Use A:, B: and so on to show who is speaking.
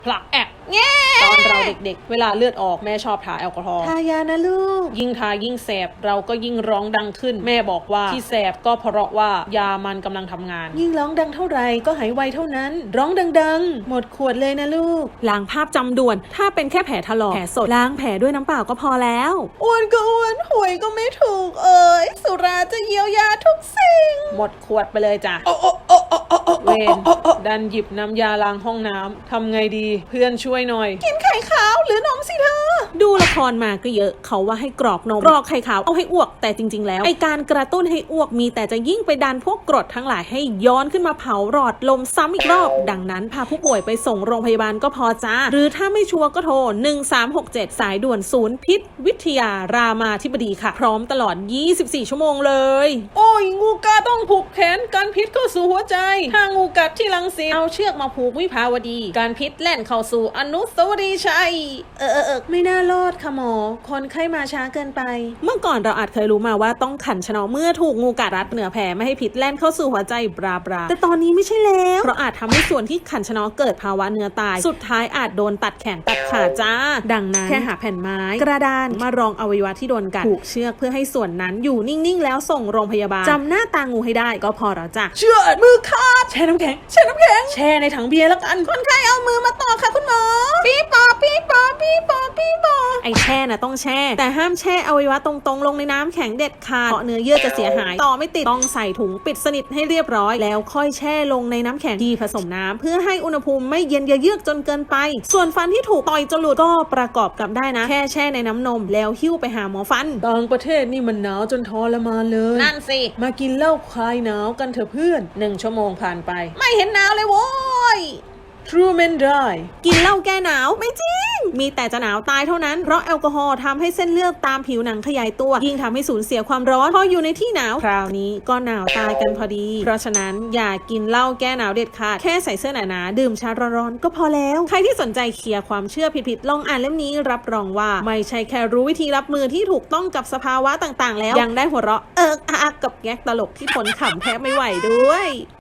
A: ผลักแอกตอนเราเด็กๆเวลาเลือดออกแม่ชอบทาแอลกอฮอล์
B: ทายานะลูก
A: ยิ่งทายิ่งแสบเราก็ยิ่งร้องดังขึ้นแม่บอกว่าที่แสบก็เพราะว่ายามันกำลังทำงาน
B: ยิ่งร้องดังเท่าไหร่ก็หายไวเท่านั้นร้องดังๆหมดขวดเลยนะลูก
C: ล้างภาพจำด่วนถ้าเป็นแค่แผลถลอกแผลสดล้างแผลด้วยน้ำเปล่าก็พอแล้ว
B: อ้วนก็อ้วนหวยก็ไม่ถูกสุราจะเยียวยาทุกสิ่ง
A: หมดขวดไปเลยจ้ะเวนดันหยิบน้ำยาล้างห้องน้ำทำไงดีเพื่อนช่วยหน่อย
B: กินไข่ขาวหรือนมสิเธอ
C: ดูละครมาก็เยอะเขาว่าให้กรอกนมกรอกไข่ขาวเอาให้อ้วกแต่จริงๆแล้วไอการกระตุ้นให้อ้วกมีแต่จะยิ่งไปดันพวกกรดทั้งหลายให้ย้อนขึ้นมาเผาหลอดลมซ้ำอีกรอบดังนั้นพาผู้ป่วยไปส่งโรงพยาบาลก็พอจ้าหรือถ้าไม่ชัวร์ก็โทร1367สายด่วนศูนย์พิษวิทยารามาธิบดีค่ะพร้อมตลอด24ชั่วโมงเลย
A: โอ้ยงูกัดต้องผูกแขนกันพิษเข้าสู่หัวใจถ้างูกัดที่รังสิตเอาเชือกมาผูกวิภาวดีการพิษแล่นเข้าสู่อนุสาวรีย์ชัย
B: ไม่น่ารอดค่ะหมอคนไข้มาช้าเกินไป
C: เมื่อก่อนเราอาจเคยรู้มาว่าต้องขันชะเนาะเมื่อถูกงูกัดรัดเหนือแผลไม่ให้พิษแล่นเข้าสู่หัวใจบราแต่ตอนนี้ไม่ใช่แล้วเพราะอาจทำให้ส่วนที่ขันชะเนาะเกิดภาวะเนื้อตายสุดท้ายอาจโดนตัดแขนตัดขาจ้าดังนั้นแค่หาแผ่นไม้กระดานมารองอวัยวะที่โดนกัดผูกเชือกเพื่อให้ส่วนนั้นอยู่นิ่งๆแล้วส่งโรงพยาบาลจำหน้าตางูให้ได้ก็พอแล้วจ้ะ
B: เชือกมือขาดแช่น้ำแข็งแช่ในถังเบียร์แล้วกัน
C: คนไข้เอามือมาต่อค่ะคุณหมอปี๊ปอไอแช่น่ะต้องแช่แต่ห้ามแช่อวัยวะตรงๆลงในน้ำแข็งเด็ดขาดเพราะเนื้อเยื่อจะเสียหายต่อไม่ติดต้องใส่ถุงปิดสนิทให้เรียบร้อยแล้วค่อยแช่ลงในน้ำแข็งที่ผสมน้ำเพื่อให้อุณหภูมิไม่เย็นเยือกจนเกินไปส่วนฟันที่ถูกต่อยจนหลุดก็ประกอบกับได้นะแค่แช่ในน้ำนมแล้วหิ้วไปหาหมอฟัน
A: ต่างประเทศนี่มันหนาวจนทรมานเลย
C: นั่นสิ
A: มากินเหล้าคลายหนาวกันเถอะเพื่อน1 ชั่วโมงผ่านไป
C: ไม่เห็นหนาวเลยโว้ย
A: True Men Die
C: กินเหล้าแก้หนาวไม่จริงมีแต่จะหนาวตายเท่านั้นเพราะแอลกอฮอล์ทำให้เส้นเลือดตามผิวหนังขยายตัวยิ่งทำให้สูญเสียความร้อนพออยู่ในที่หนาวคราวนี้ก็หนาวตายกันพอดีเพราะฉะนั้นอย่ากินเหล้าแก้หนาวเด็ดขาดแค่ใส่เสื้อหนาๆดื่มชาร้อนๆก็พอแล้วใครที่สนใจเคลียร์ความเชื่อผิดๆลองอ่านเล่มนี้รับรองว่าไม่ใช่แค่รู้วิธีรับมือที่ถูกต้องกับสภาวะต่างๆแล้วยังได้หัวเราะอักกับแก๊กตลกที่ทนขำแทบไม่ไหวด้วย